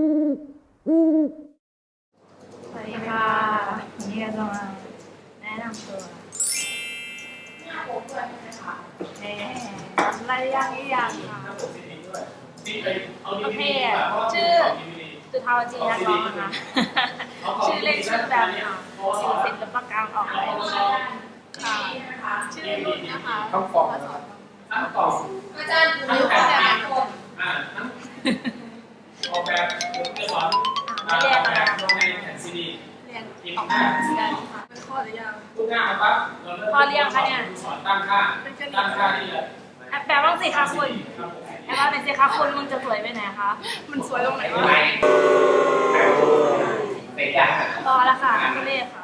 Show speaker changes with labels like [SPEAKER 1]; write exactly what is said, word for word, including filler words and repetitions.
[SPEAKER 1] สวัสดีค่ะวันนี้เราจะมาแนะนำตัวเอ๊ะอะไรยังอีกอย่างค่ะโอเคชื่อจุฑาวจีนักร้องนะคะชื่อเล่นชื่อแบบค่ะชื่อศิลปกรรมออกแบบค่ะชื่อรุ่นนะคะ
[SPEAKER 2] ต้องฟองต้องฟอง
[SPEAKER 1] อาจารย์อยู่ตั้งแต่แบบ
[SPEAKER 2] อ่าออกแบบเอกสารออกแบบลงในแผ่นซีดี
[SPEAKER 1] เรียนออกแบบกันค่ะเป็นข้อหรือยัง
[SPEAKER 2] ทุกหน้าครับเราเริ่มข้อเรียงค่ะเนี่ยสอนตั้งค่าตั้งค่านี่เลย
[SPEAKER 1] แปลว่าสิคะคุณแปลว่าเป็นสิคะคุณมึงจะสวยไปไหนคะมันสวยตรงไหนวะ
[SPEAKER 2] เตะยาก
[SPEAKER 1] รอแล้วค่ะคุณเล่ค่ะ